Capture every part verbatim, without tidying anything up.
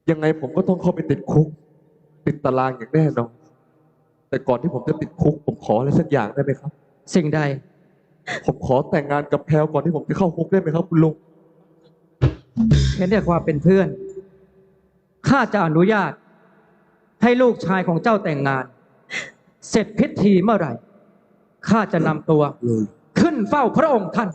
ยังไงผมก็ต้องเข้าไปติดคุกติดตารางอย่างแน่นอนแต่ก่อนที่ผมจะติดคุกผมขออะไรสักอย่างได้ไหมครับสิ่งใดผมขอแต่งงานกับแพลวก่อนที่ผมจะเข้าคุกได้ไหมครับคุณลุงเห็นแต่ความเป็นเพื่อนข้าจะอนุญาตให้ลูกชายของเจ้าแต่งงาน เสร็จพิธีเมื่อไหร่ข้าจะนำตัวขึ้นเฝ้าพระองค์ท่าน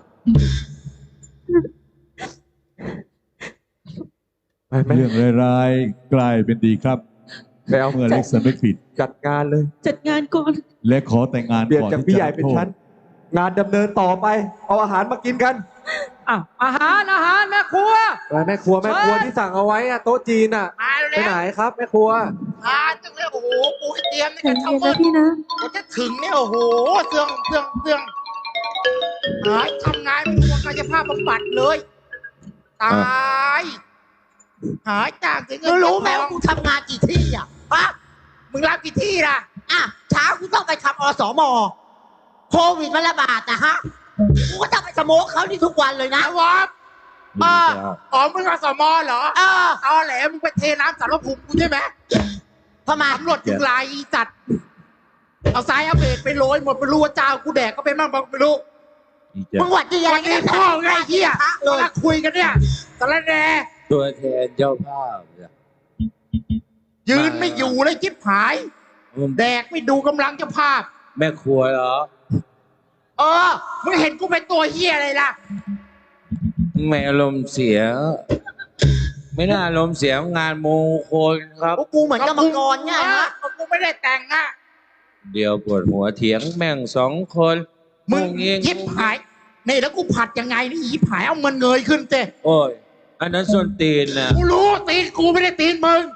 ไปไหมเรื่องร้ายๆกลายเป็นดีครับไปเอาเมื่อเล็กสำนึกผิดจัดงานเลยจัดงานก่อนและขอแต่งงานเปลี่ยนก่อนจากที่พี่ใหจะญ่เป็นชั้นงานดำเนินต่อไปเอาอาหารมากินกันอ่ะอาหารอาหารแม่ครัวอะไรแม่ครัวแม่ครัวที่สั่งเอาไว้อะโต๊ะจีนอะไปไหนครับแม่ครัวทานจังเลยโอ้โหปูให้เตรียมนี่ใจกันเย็ทั้งนหมนะดพี่นะกว่าจะถึงเนี่ยโอ้โหเสื่องเสื่องเสื่องหายทำงานไม่รู้ว่ากายภาพบำบัดเลยตายหายจากถึงเงินรู้ไหมว่ากูทำงานกี่ที่อ่ะฮะมึงรับกี่ที่ล่ะอ่ะเช้ากูต้องไปทำอสมโควิดมันระบาดนะฮะกูก็ต้องไปสโมกเขาที่ทุกวันเลยนะวะเอออ๋อมึงอสมเหรอเออตอแหลมึงไปเทน้ำสารภูมิกูใช่ไหมทำไมตำรวจถึงลายอีจัดเอาซ้ายเอาเบรกไปโรยหมดไปรู้ว่าเจ้ากูแดกก็เป็นบ้างไม่รู้มึงหวัดดีอะไรกันพ่อไงเฮียเลยคุยกันเนี่ยตะละแดตัวแทนเจ้าภาพเนี่ยยืนไม่อยู่เลยจิ๊บหาย แดกไม่ดูกำลังเจ้าภาพแม่ครัวเหรอเออมึงเห็นกูเป็นตัวเฮียอะไรล่ะไม่อารมณ์เสีย ไม่น่าอารมณ์เสียงานมงคลครับกูเหมือนกรรมกรเนี่ยฮะกูไม่ได้แต่งอ่ะเดี๋ยวปวดหัวเถียงแม่งสองคนมึงยิบหายนี่แล้วกูผัดยังไงนี่ยิบหายเอามันเงยขึ้นเต้โอ้ยอันนั้นส้นตีนนะกูรู้ตีนกูไม่ได้ตีนมึง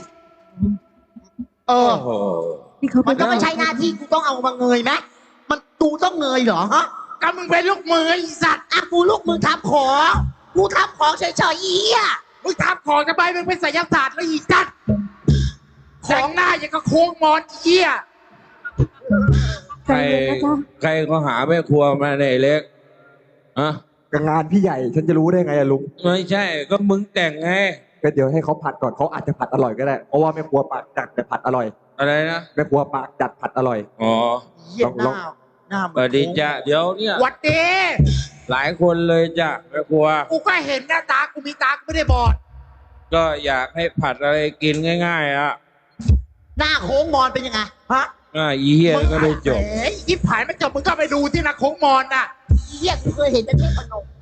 เออมันก็ไม่ใช่หน้าที่กูต้องเอามาเงยไหมมันกูต้องเงยเหรอฮะก็มึงเป็นลูกมือไอ้สัตว์อ่ะกูลูกมือทำของกูทำของเฉยๆอีอ่ะมึงทำของจะไปมึงเป็นไสยศาสตร์แล้วอีจัดของหน้าอย่างกับโค้งมอนเหี้ยใครใครก็หาแม่ครัวมาในเล็กอะงานพี่ใหญ่ฉันจะรู้ได้ไงอะลุงไม่ใช่ก็มึงแต่งไงก็เดี๋ยวให้เขาผัดก่อนเขาอาจจะผัดอร่อยก็ได้เพราะว่าแม่ครัวปากจัดแต่ผัดอร่อยอะไรนะแม่ครัวปากจัดผัดอร่อยอ๋อลองลองหน้ามันดีจ้ะเดี๋ยวเนี่ยวัดเดหลายคนเลยจ้ะแม่ครัวกูก็เห็นหน้าตากูมีตากูไม่ได้บอดก็อยากให้ผัดอะไรกินง่ายๆอ่ะหน้าโค้งมอนเป็นยังไงฮะอ่าอีเหี้ยก็ได้จบเอ้ยยิบหายไม่จบมึงก็ไปดูที่หน้าโค้งมอนน่ะอีเหี้ยกูเคยเห็นแต่เทพนม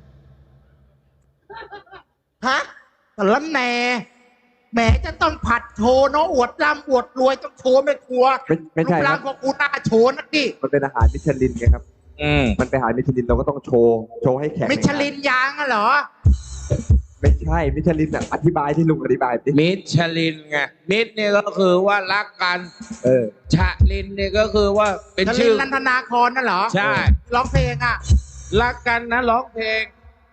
ฮะแต่ละแหน่แหมจะต้องผัดโชว์เนาะอวดร่ำอวดรวยต้องโชว์ไม่ครัวไม่ใช่ครับของกูหน้าโชว์นักดิมันเป็นอาหารมิชลินไงครับอืมมันเป็นอาหารมิชลินเราก็ต้องโชว์โชว์ให้แขกมิชลินยางอะเหรอไม่ใช่มิชลินอ่ะอธิบายที่ลุงอธิบายดิมิชลินไงมิชเนี่ยก็คือว่ารักกันเออชะลินเนี่ยก็คือว่าเป็นชื่อนันทนาครนั่นเหรอใช่ร้องเพลงอ่ะรักกันนะร้องเพลง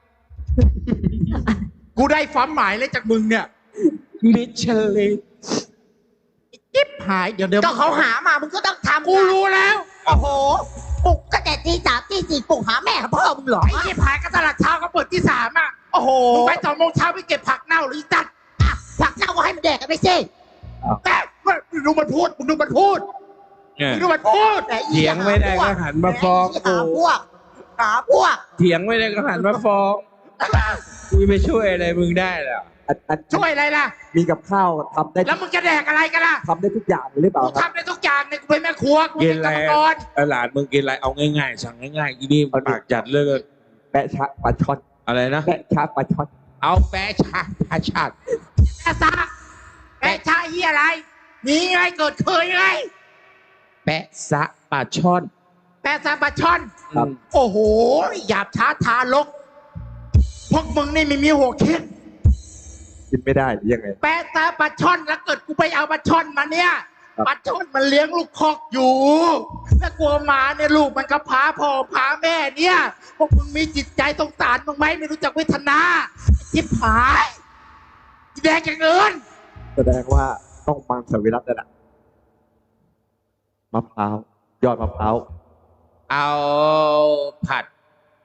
กูได้ความหมายเลยจากมึงเนี่ยมิชลินจิ๊บหายเดี๋ยวเดี๋ยวก็เขาหามามึงก็ต้องทำกูรู้แล้วโอ้โหปลุกก็แต่ตีสามตีสี่ปลุกหาแม่กับพ่อมึงเหรอไอ้จิ๊บหายก็ตลาดเช้าก็เปิดที่สามอ่ะโอ้โหมึงไปสองโมงเช้าไปเก็บผักเน่าหรือจัดผักเน่าก็ให้มันแดกกันไปสิแต่มึงดูมันพูดมึงดูมันพูดมึงดูมันพูดเถียงไม่ได้ก็หันมาฟ้องหาพวกหาพวกเถียงไม่ได้ก็หันมาฟ้องกูไม่ช่วยอะไรมึงได้หรอช่วยอะไรล่ะมีกับข้าวทำได้แล้วมึงจะแดกอะไรกันล่ะทำได้ทุกอย่างหรือเปล่าทำได้ทุกอย่างเนี่ยกูเป็นแม่ครัวกูเป็นกรรมกรหลานมึงกินอะไรเอาง่ายๆสั่งง่ายๆอีนี่ปากจัดเลยแปะชะปลาช่อนอะไรนะแปะชะปลาช่อนเอาแปะชะปลาช่อนแปะซะแปะชะยี่อะไรมีไงเกิดเคยไงแปะซะปลาช่อนแปะซะปลาช่อนโอ้โหหยาบช้าทารกพวกมึงนี่ไม่มีหัวคิดกินไม่ได้ยังไงแปะซะปลาช่อนแล้วเกิดกูไปเอาปลาช่อนมาเนี่ยปลาช่อนมันเลี้ยงลูกคอกอยู่แล้วกลัวมาเนี่ยลูกมันก็พาพ่อพาแม่เนี่ยพวกมึงมีจิตใจสงสารมึงไหมไม่รู้จักเวทนาทิพหายแดกอย่างอื่นแสดงว่าต้องมังสวิรัตินั่นแหละมะพร้าวยอดมะพร้าวเอาผัด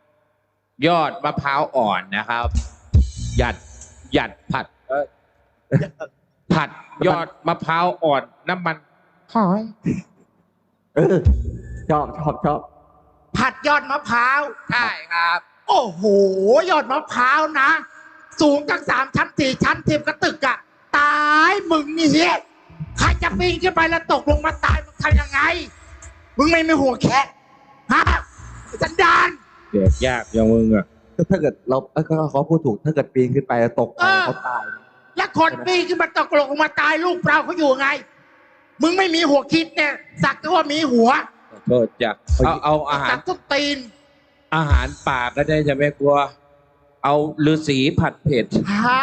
ยอดมะพร้าวอ่อนนะครับหยัดหยัดผัดผัดยอดมะพร้าวอ่อนน้ำมันหอยเออชอบชอบชอบผัดยอดมะพร้าวใช่ครับโอ้โห ยอดมะพร้าวนะ สูงตั้งสามชั้นสี่ชั้นเทียมกระตึกอะตายมึงนี่เฮียใครจะปีนขึ้นไปแล้วตกลงมาตายมึงทำยังไง มึงไม่มีหัวแค่ฮะสันดานเด็กยากอย่างมึงอะถ้าเกิดเราเออเขาพูดถูกถ้าเกิดปีนขึ้นไปแล้วตกไปเขาตายแล้วคนปีนขึ้นมาตกลงมาตายลูกเปล่าเขาอยู่ไง มึงไม่มีหัวคิดเนี่ยสักแต่ว่ามีหัวขอโทษจ้ะเอาเอาอาหาสัรกทุกตีนอาหารป่าก็ได้จะไม่กลัว เอาฤาษีผัดเผ็ดหา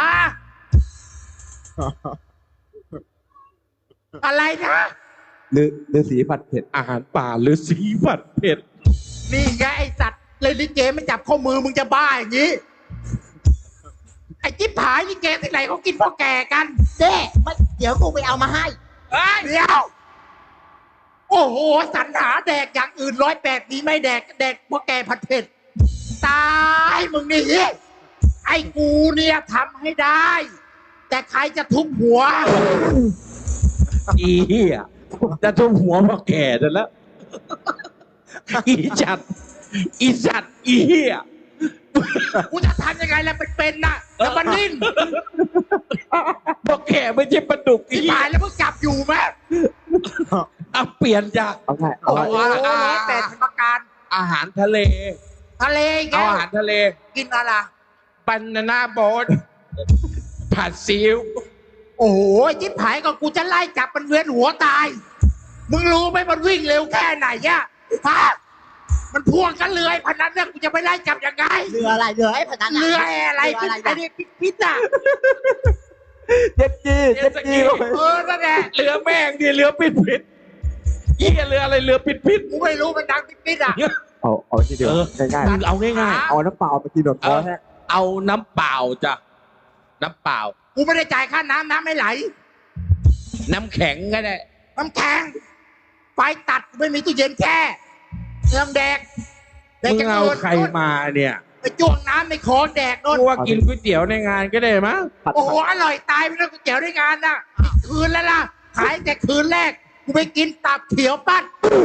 อะไรนะหรือหรือสีผัดเผ็ดอาหารป่าฤาษีผัดเผ็ดนี่ไงไอสัตว์เลยลิเกไม่จับข้อมือมึงจะบ้าอย่างนี้ ไอ้จิ๊บผายลิเกที่ไหนเขากินพ่อแก่กันเจ๊ไม่เดี๋ยวกูไปเอามาให้เฮ้ยเดี๋ยว โอ้โหสรรหาแดกอย่างอื่นร้อยแปดนี้ไม่แดกแดกพ่อแก่ผัดเผ็ด ตายมึงนี่ ไอ้กูเนี่ยทำให้ได้ แต่ใครจะทุบหัวอีเหี้ยจะทุ่มหัวพ่อแก่นั่นแล้ว อีจัด อีจัด อีเหี้ยกูจะทำยังไงแล้วเป็นๆน่ะแล้วมันนิ่นพ่อแก่ไม่ใช่ปลาดุกอีที่เหี้ยตายแล้วมึงจับอยู่ไหมเอาเปลี่ยนจากเอาไงเอาโอ้ไงโหร้อยแปดประการอาหารทะเลทะเลแกเอาอาหารทะเลกินอะไรบานาน่าโบ๊ทผัดซีอิ๊วโอ้โหจิ๊บหายก็กูจะไล่จับมันเวียนหัวตาย มึงรู้ไหมมันวิ่งเร็วแค่ไหนอะฮะมันพ่วงกันเรือไอ้พนันเนี่ยกูจะไปไล่จับยังไงเรืออะไรเรือไอ้พนันเรืออะไรเรืออะไรไอ้นะนี่พิษๆอะเจ็ดจีเจ็ดจีเข้าไปเออนั่นแหละเรือแม่งดิเรือปิดปิดเหี้ยเรืออะไรเรือปิดปิดกูไม่รู้มันดังพิษๆอะเอาเอาทีเดียวเออง่ายมึงเอาง่ายๆเอาน้ำเปล่าไปกินหนวดคอแห้งๆ เอาน้ำเปล่าจ้ะ น้ำเปล่ากูไม่ได้จ่ายค่าน้ำน้ำไม่ไหลน้ำแข็งก็ได้น้ำแข็งไฟตัดกูไม่มีตู้เย็นแช่เรื่องแดกแดกมึงจะเอาโดนใครมาเนี่ยไปจ้วงน้ำในคอแดกโดนกูว่ากินก๋วยเตี๋ยวในงานก็ได้มั้งผัดโอ้โหอร่อยตายไปแล้วก๋วยเตี๋ยวในงานน่ะคืนแล้วล่ะขายแต่คืนแรกกูไปกินตับเขียวปั้น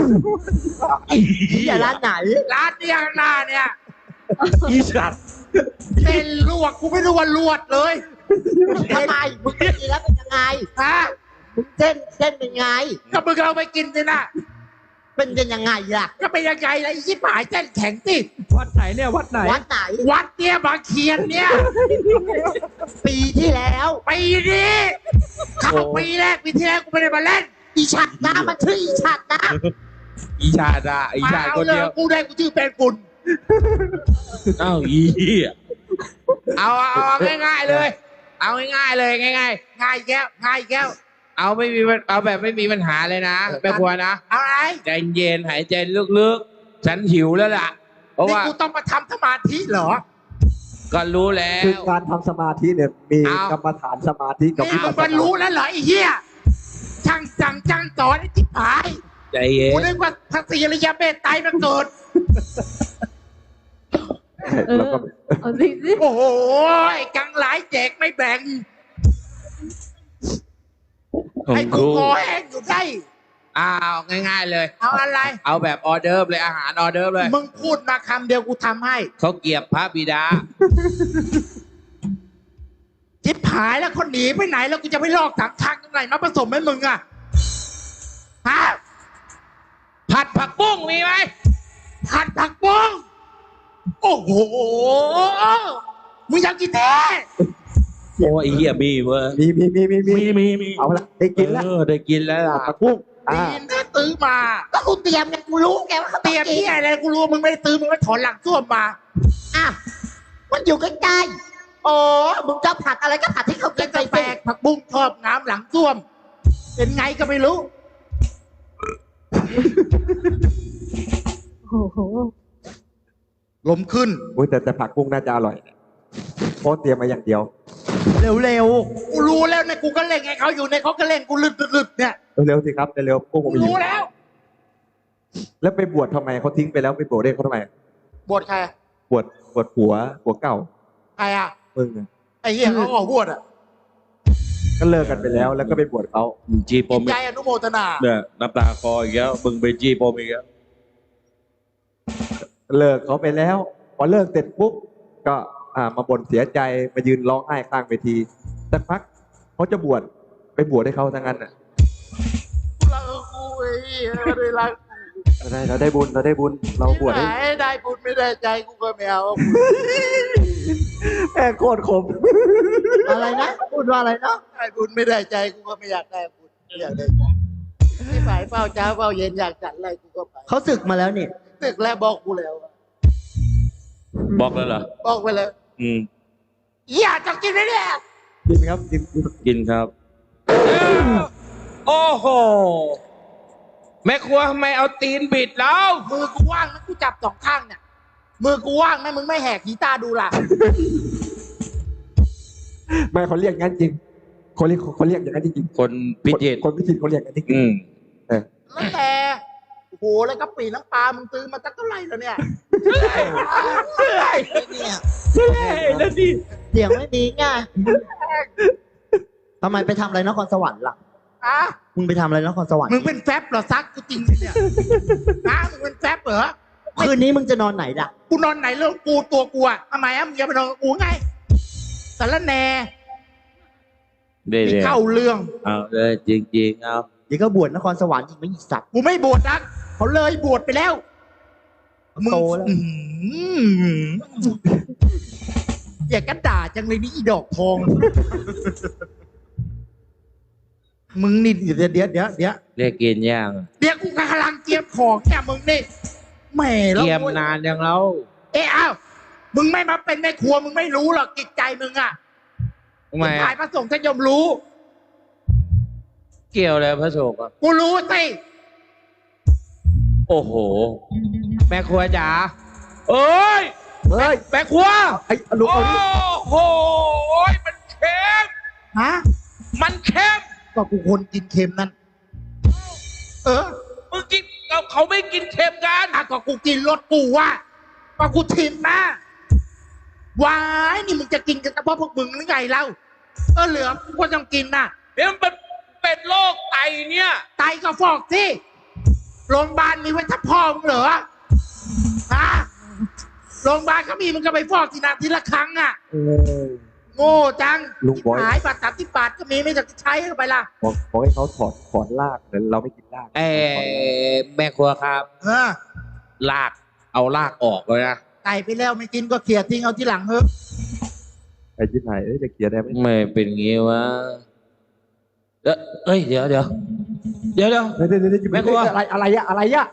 อย่าร้านไหนร้านเนี่ยข้างหน้าเนี่ยอีสัตว์เส้นลวกกูไม่รู้ว่าลวดเลยทำไมมึงกินแล้วเป็นยังไงฮะมึงเส้นเส้นเป็นไงก็มึงเอาไปกินสินะเป็นเป็นยังไงล่ะก็เป็นยังไงล่ะไอ้ชิบหายเส้นแข็งสิวัดไหนเนี่ยวัดไหนวัดไหนวัดเนี่ยบางเคียนเนี่ยปีที่แล้วปีนี้เข้าปีแรกปีที่แล้วกูไม่ได้มาเล่นอีฉัดนะมันชื่ออีฉัดนะอีชาดาอีมาชาดเอาคนเลเดียยวกูได้กูชื่อเป็นฝุ่นเอ้าอีเหี้ยเอาเอาเอาง่ายๆเลย เอาง่ายๆเลยง่ายง่ายแก้วง่ายแก้วๆ เอาไม่มีปัญเอาแบบไม่มีปัญหาเลยนะแม่ครัวนะเอาอะไรใจเย็นหายใจลึกๆ ฉันหิวแล้วล่ะ เพราะนี่ว่ากูต้องมาทำสมาธิเหรอก็รู้แล้คือวการทำสมาธิเนี่ยมีเอากรรมฐานสมาธิกับนี่วิมึปังสสมันนารู้แล้วเหรอไอ้เหี้ยช่างสั่งช่างสอนไอ้ทิพายใจเย็กูนนึกว่าพระศรีอริยเมตไตรมาเกิดเออแล้วก็เอาสิสิโอ้โหไอ้กังหลายแจกไม่แบ่ง ไอ้กูคอแห้งอยู่ได้อ้าวง่ายๆเลยเอาอะไรเอาแบบออเดิร์ฟเลยอาหารออเดิร์ฟเลยมึงพูดมาคำเดียวกูทำให้เขาเกลียบพระบิดาจิบหายแล้วคนหนีไปไหนแล้วกูจะไปลอกถังทางตรงไหนมาผสมให้มึงอะฮะผัดผักบุ้งมีไหมผัดผักบุ้งโอ้โห มึงอยากกินแท้โอ้ยเหี้ยมีเว้ยมีมีมีมีมีมีมีมีเอาละได้กินแล้วเออได้กินแล้วล่ะผักบุ้งอ่าดีนะตื้อมาก็กูเตรียมไงกูรู้แกว่าเขาเตรียมที่อะไรกูรู้มึงไม่ได้ตื้อมึงไม่ถอนหลังส้วมมาอ่ะมันอยู่ใกล้ๆอ๋อมึงจะผัดอะไรก็ผัดให้เขากิจะนไปกาแฟสิผักบุ้งชอบน้ำหลังส้วม เป็นไงก็ไม่รู้โอ้โหลมขึ้นโอ้ยแต่แต่ผักบุ้งน่าจะอร่อยเพราะเตรียมมาอย่างเดียวเร็วๆ กูรู้แล้วเนี่ยกูก็เล่นไงเขาอยู่ในเขาก็เล่นกูลึดๆเนี่ยเร็วๆสิครับเร็วๆพวกผกูมไปอยู่รู้แล้วแล้วไปบวชทำไมเขาทิ้งไปแล้วไปบวชเรียกเขาทำไมบทใครบวชบวชผัวผัวเก่าใครอ่ะมึงอะไอ้เหี้ยเขาออกบวชอ่ะก็เลิกกันไปแล้ว แล้วก็ไปบวชเขามึงจีปมใจอนุโมทนาเนี่ยน้ำตาคออีกแล้วมึงไปจีปมอีกแล้วเลิกเขาไปแล้ว พอเลิกเสร็จปุ๊บก็อ่ามาบ่นเสียใจมายืนร้องไห้ข้างเวทีสักพักเขาจะบวชไปบวชให้เขาทั้งนั้นอ่ะเรากูไอ้เหี้ยไม่ได้รักเราได้เราได้บุญเราได้บุญเราบวชให้ไหนได้บุญไม่ได้ใจกูก็ไม่เอาแม่งโคตรขมอะไรนะพูดว่าอะไรเนาะได้บุญไม่ได้ใจกูก็ไม่อยากได้บุญไม่อยากได้ใจที่ฝ่ายเฝ้าเช้าเฝ้าเย็นอยากจัดอะไรกูก็ไปเขาศึกมาแล้วนี่ตึกแล้วบอกกูแล้วบอกแล้วเหรอบอกไปเลยอืมอย่าจะกินเลยเนี่ยจริงครับจริงกินครับ โอ้โห แม่ครัวทำไมเอาตีนบิดแล้วมือกูว่างนะกูจับสองข้างเนี่ยมือกูว่างไหมมึงไม่แหกขีตาดูล่ะแม่เขาเรียกงั้นจริงเขาเรียกเขาเรียกอย่างนั้นจริงคนพิจิตรคนพิจิตรเขาเรียกงั้นจริงอืมเออแล้วแต่โอ้โหแล้วก็ปีน้ำปลามึงซื้อมาตั้งเท่าไหร่แล้วเนี่ยเนี่ยแล้วดิเสียงไม่มีไงทำไมไปทำอะไรนครสวรรค์ล่ะอะมึงไปทำอะไรนครสวรรค์มึงเป็นแฟบเหรอซักกูจริงๆเนี่ยฮะมึงเป็นแฟบเหรอคืนนี้มึงจะนอนไหนล่ะกูนอนไหนเรื่องกูตัวกูอะทำไมอะมึงอย่าไปนอนกับกูไงสารแหน่เดี๋ยวที่เข้าเรื่องเอาเลยจริงๆเอาเดี๋ยวก็บวชนครสวรรค์อีกไม่อีกสัตว์กูไม่บวชนะเขาเลยบวชไปแล้วมึงโตแล้วอื้อหืออย่ากระด่าจังเลยนี่อีดอกทอง มึงนี่เดี๋ยวเดี๋ยวเดี๋ยวเดี๋ยวเรียกกินย่างเดี๋ยวกูกำลังเตรียมของเนี่ยมึงนี่แหม่แล้วเกียมนานยังแล้วเอ้ยอ้าวมึงไม่มาเป็นแม่ครัวมึงไม่รู้หรอกจิตใจมึงอะทำไมถ่ายพระสงฆ์ท่านยมรู้เกี่ยวอะไรพระโศกอ่ะกูรู้สิโอ้โห แม่ครัวจ๋าเอ้ยๆเฮ้ยแม่ครัวไอ้ลุงโอ้เอาดิโหมันเค็มฮะมันเค็มก็กูคนกินเค็มนั่นเออมึงกินเขาเขาไม่กินเค็มกันอ่ะก็กูกินรสกูว่าก็กูชิมนะวายนี่มึงจะกินกันเฉพาะพวกมึงหรือไงเล่าเออเหลือกูก็ต้องกินนะเดี๋ยวมันเป็นเป็นโรคไตเนี่ยไตก็ฟอกสิโรงพยาบาลมีไว้ทับพ่อมึงเหรอฮะโรงพยาบาลเขามีมึงก็ไปฟอกทีนาทีละครั้งอ่ะเออโง่จังลุงบอยหายบาทสามสิบบาทก็มีไม่จะใช้เข้าไปล่ะบอกบอกให้เขาถอดถอดรากแต่เราไม่กินรากเอแม่ครัวครับเออลากเอาลากออกเลยนะไก่ไปแล้วไม่กินก็เขี่ยทิ้งเอาที่หลังเฮ้ยไอ้ที่ไหนเอ้ยจะเกลียดได้ไหมไม่เป็นงี้วะเอ้ยเอ้ยเดี๋ยวเดี๋ยวเดี๋ยวเดี๋ยวเดี๋ยวเดี๋ยวเดี๋ยวแม่ครัวอะไรอะไรอะอะไรอะ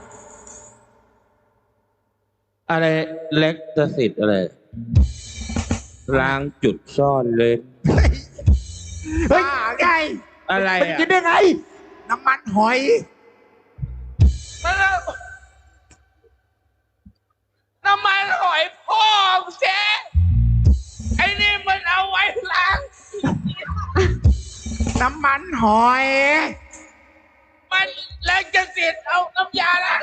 อะไรเล็กตสิทธิ์อะไรล้างจุดซ่อนเลนเฮ้ยบ้าไงอะไรมันอ่ะกินได้ไงน้ำมันหอยน้ำมันหอยพ่อเจ๊ไอ้นี่มันเอาไว้ล้างน้ำมันหอยมันเล็กตสิทธิ์เอาน้ำยาล้าง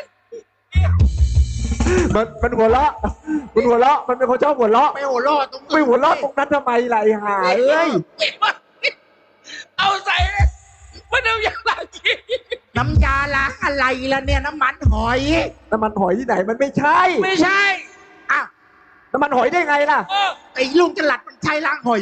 มันมันหัวเราะมันหัวเราะมันเป็นคนชอบหัวเราะไม่หัวเรอดตรงไม่หัวเราะตรงนั้นทำไมล่ะไอ้ห่าเอ้ยเอาใส่เลยมันน้ำยาล้างขี้น้ำยาล้างอะไรล่ะเนี่ยน้ำมันหอยน้ำมันหอยที่ไหนมันไม่ใช่ไม่ใช่อ้าวน้ำมันหอยได้ไงล่ะเออไอ้ลุงจลัดมันใช้ล้างหอย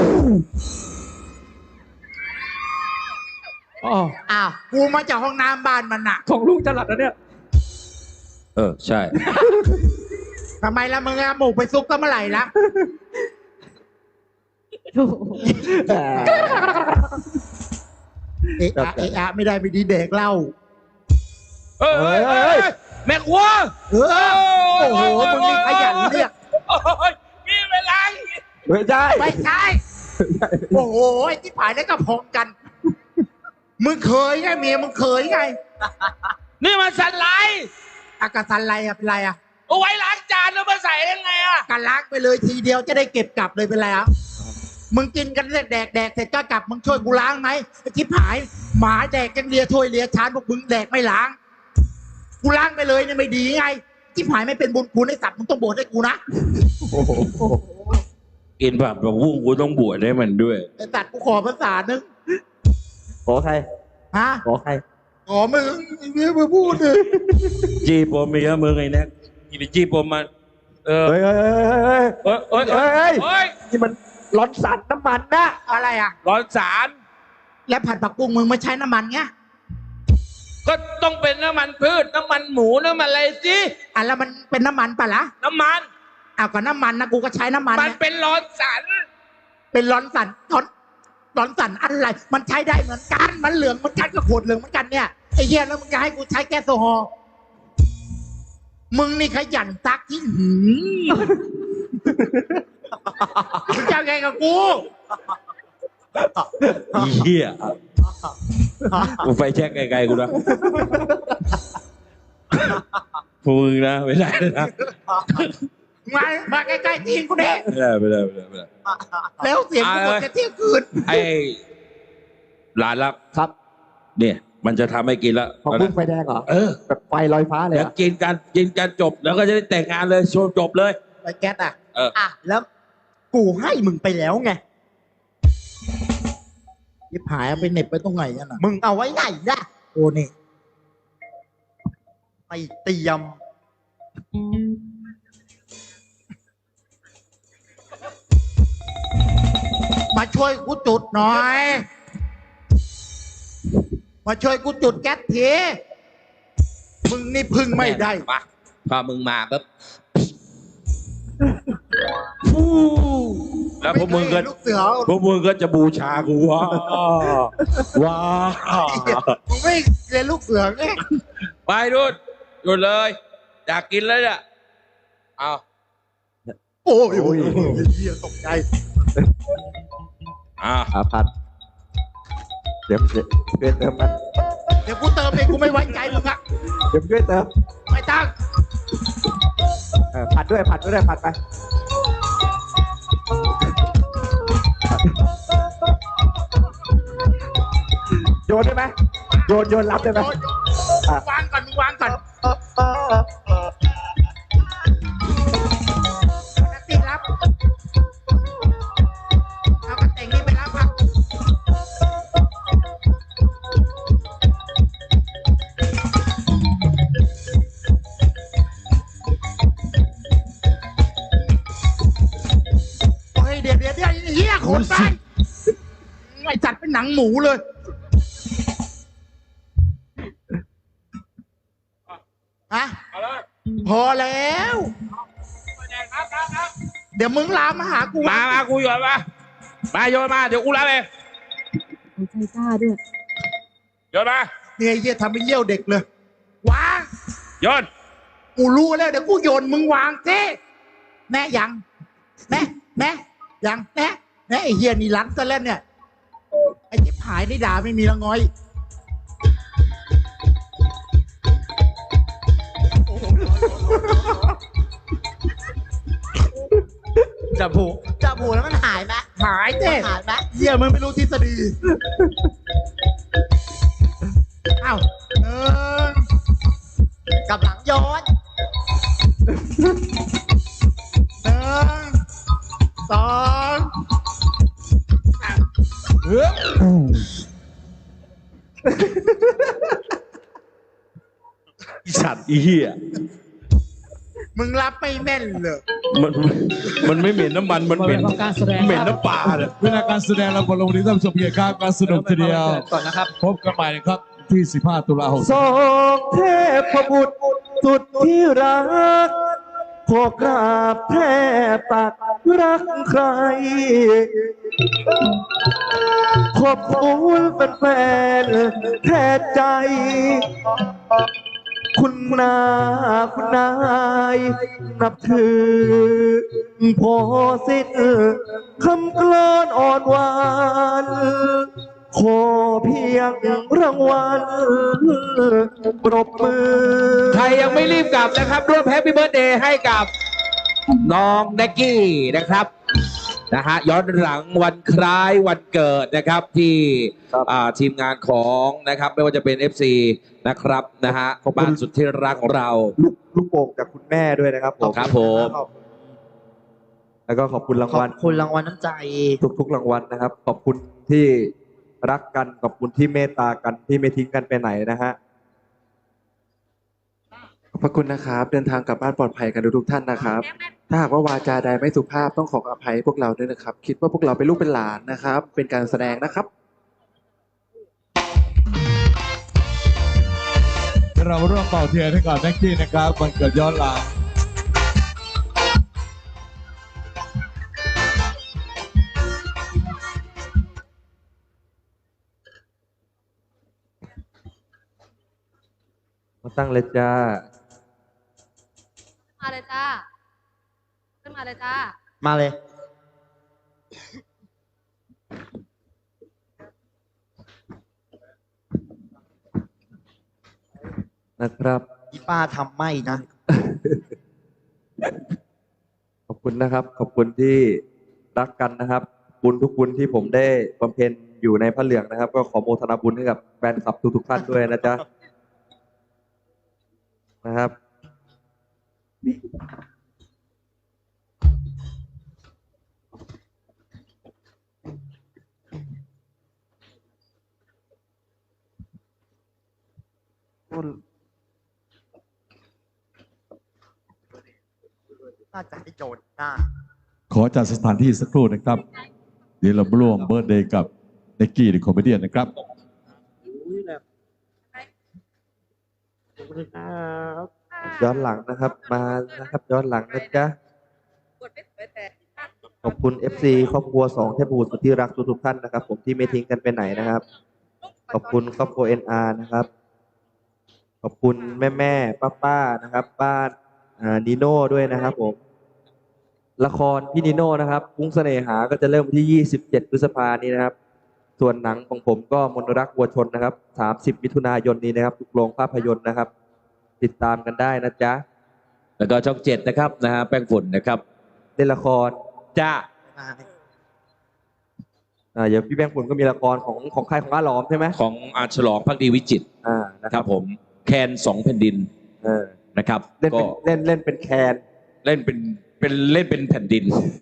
อ๋ออ้าวกูมาจากห้องน้ำบ้านมันน่ะของลุงจรัดนะเนี่ยเออใช่ทำไมล่ะมึงเอาหมูไปซุกก็เมื่อไหร่ละโอ้โหเอะอะเอะอะไม่ได้ไม่ดีเด็กเล่าเออเฮ้ยเฮ้ยเฮ้ยแม่ครัวเออโอ้โหมึงนี่ขยันเรียกโอ้ยนี่เวลาไม่ใช่ไม่ใช่โอ้โหไอ้ที่ผายนี่ก็พองกัน มึงเคยไงเมียมึงเคยไงนี่มันสันไลด์อากาสันไรอะเป็นไรอะเอาไว้ล้างจานแล้วมาใส่ยังไงอ่ะกันล้างไปเลยทีเดียวจะได้เก็บกลับเลยเป็นไรอะมึงกินกันแดกแดกแดกเสร็จก็กลับมึงช่วยกูล้างไหมไอ้ที่ผายหมาแดกกันเลียถ้วยเลียชานพวกมึงแดกไม่ล้าง กูล้างไปเลยเนี่ยไม่ดีไงที่ผายไม่เป็นบุญคุณไอ้สัตว์มึงต้องโบดให้กูนะโอ้โหอีกินผัดผักบุ้งกูต้องบวชให้มันด้วยไอ้ตัดกูขอภาษานึงขอใครฮะขอใครขอมึงเรียกมาพูดเลยจีปมมีเยอะมึงไอ้แน็กกินไปจีปมมันเออเฮ้ยเฮ้ยเฮ้ยเอ้ยเอ้ยเฮ้เอ้ยยเฮ้ยเอ้ยนี่มันร้อนสันน้ำมันนะอะไรอ่ะร้อนสารแล้วผัดผักบุ้งมึงไม่ใช้น้ำมันไงก็ต้องเป็นน้ำมันพืชน้ำมันหมูน้ำมันอะไรสิอ่ะแล้วมันเป็นน้ำมันปะล่ะน้ำมันอ้าวก็น้ำมันนะกูก็ใช้น้ำมันมันไงเป็นร้อนสารเป็นร้อนสันร้อนร้อนสันอะไร มันใช้ได้เหมือนกันมันเหลืองเหมือนกันก็ขวดเหลืองเหมือนกันเนี่ยไอ้เหี้ยแล้วมึงจะให้กูใช้แก๊สโซฮอล์มึงนี่ขยันซักที่หืมมึงจะไงกับกูอีเหี้ยกูไฟแช็กไกลๆกูนะพวกมึงนะไม่ได้นะมามาใกล้ๆทีนกูเนี่ยไม่ได้ไม่ได้ไม่ได้ไม่ได้แล้วเสียงกูหมดจะเที่ยงคืนไอ้หลานรักครับเนี่ยมันจะทำให้กินแล้วของบุ้งไฟแดงเหรอเออแบบไฟลอยฟ้าเลยเดี๋ยวอะกินกันกินกันจบแล้วก็จะได้แต่งงานเลยโชว์จบเลยไปแก๊สอ่ะเอออ่ะแล้วกูให้มึงไปแล้วไงยิบหายเอาไปเหน็บไปตรงไหนกันอ่ะมึงเอาไว้ไหนล่ะโอ้นี่ไปเตรียมมาช่วยกูจุดหน่อย มาช่วยกูจุดแก๊สทีมึงนี่พึ่งไม่ได้มาพอมึงมาปุ๊บแล้วพวกมึงก็ไเคยเห็นลูกเสือพวกมึงก็จะบูชากูว้าว้ามึงไม่เรียนลูกเสือไงไปดูดหยุดเลย อยากกินเลยเนี่ยเอาโอ้ยโอ้ยโอ้ยเหี้ยตกใจอ่าอาพัดเดี๋ยวเดี๋ยวช่วยเติมมันเดี๋ยวกูเติมเองกูไม่ไว้ใจมึงอะเดี๋ยวช่วยเติมไม่ตั้งเออผัดด้วยผัดด้วยผัดไปโยนได้ไหมโยนโยนรับได้ไหมโยนอ่ะวางก่อนมึงวางก่อนนักตีรับเอากระเต่งนี่ไปรับครับเฮ้ยเดี๋ยวเดี๋ยวเดี๋ยวเฮียขนไปไอ้จัดเป็นหนังหมูเลยฮะเอาเลยพอแล้ว เดี๋ยวมึงลามมาหากูมามากูโยนมามาโยนมาเดี๋ยวกูรับเองใจกล้าด้วยโยนมาเนี่ยไอ้เหี้ยทำให้เยี่ยวเด็กเลย วางโยนกูรู้แล้วเดี๋ยวกูโยนมึงวางสิแน่ยังแน่แน่ยังแน่แน่ไอ้เหี้ยนี่รันซะแล้วเนี่ย ไอ้ที่ผายนี่ด่าไม่มีละง้อยจับผูจับผูแล้วมันหายไหมหายเจ้หายไหมเหี้ยมึงไม่รู้ทฤษฎีอ้าวหนึ่งกับหลังย้อนหนึ่งสองสามอีสัตว์อีเหี้ยมึงรับไม่แม่นเลยมันมันไม่เหม็นน้ำมันมันเหม็นของการแสดงเหม็นน้ำปลาเนี่ยเวลาการแสดงเราคนลงนี้ท่านผู้ชมเกียรติครับการสนุกทีเดียวก่อนนะครับพบกันใหม่นะครับที่สิบห้าตุลาคมสองเทพบุตรสุดที่รักขอกราบแทบตักรักใคร ขอบคุณแฟนๆแทนใจ คุณนาคุณนายนับถือพอสิ้นคำกลอนอ่อนหวาน ขอเพียงรางวัลปรบมือใครยังไม่รีบกลับนะครับร่วมแฮปปี้เบิร์ดเดย์ให้กับน้องแน็กกี้นะครับนะฮะย้อนหลังวันคล้ายวันเกิดนะครับที่ครับอ่าทีมงานของนะครับไม่ว่าจะเป็น เอฟ ซี นะครับนะฮะขอบคุณบ้านสุดที่รักของเราลูกลูกโป่งจากคุณแม่ด้วยนะครับผมครับผมขอบแล้วก็ขอบคุณรางขอบวัลคุณรางวัลน้ำใจทุกๆรางวัลนะครับ ขอบคุณที่รักกันขอบคุณที่เมตตากันที่ไม่ทิ้งกันไปไหนนะฮะขอบพระคุณนะครับ เดินทางกลับบ้านปลอดภัยกันทุกๆท่านนะครับ ถ้าหากว่าวาจาใดไม่สุภาพต้องขออภัยพวกเราด้วยนะครับ คิดว่าพวกเราเป็นลูกเป็นหลานนะครับ เป็นการแสดงนะครับเราร่วมเป่าเทียนให้กับแน็กกี้นะครับวันเกิดย้อนหลังมาตั้งเลยจ้ามาเลยจ้า ขึ้นมาเลยจ้ามาเลยนะครับอีป้าทำไม่นะขอบคุณนะครับ ขอบคุณที่รักกันนะครับ บุญทุกบุญที่ผมได้บำเพ็ญอยู่ในพระเหลืองนะครับ ก็ขอโมทนาบุญให้กับแฟนคลับทุกๆท่านด้วยนะจ๊ะนะครับน่าจะให้โจรหน้าขอจัดสถานที่สักครู่นะครับ เดี๋ยวเราร่วมเบิร์ดเดย์กับเน็กกี้หรือคอมเมดี้นะครับย้อนหลังนะครับ มานะครับ ย้อนหลังนะจ๊ะ ขอบคุณ เอฟ ซี ครอบครัวสองเทพบุตรสุดที่รักทุกๆท่านนะครับ ผมที่ไม่ทิ้งกันไปไหนนะครับ ขอบคุณครอบครัว เอ็น อาร์ นะครับ ขอบคุณแม่แม่ป้าป้าๆนะครับ บ้านอ่านิโน่ด้วยนะครับผม ละครพี่นิโน่นะครับกุ้งเสน่หาก็จะเริ่มวันที่ ยี่สิบเจ็ด พฤษภานี้นะครับ ส่วนหนังของผมก็มนรักวัวชนนะครับ สามสิบ มิถุนายนนี้นะครับทุกโรงภาพยนตร์นะครับ ติดตามกันได้นะจ๊ะแล้วก็ช่องเจ็ดนะครับนะฮะแป้งฝุ่นนะครับเล่นละครจ้าอ่าเดี๋ยวพี่แบงค์ปุ่นก็มีละครของของใครของอาหลอมใช่ไหมของอาฉลองพักดีวิจิตรอ่านะคครัรับบผมแคนสองแผ่นดินเออนะครับเล่นก็เป็นเล่นเล่นเป็นแคนเล่นเป็นเป็นเล่นเป็นแผ่นดิน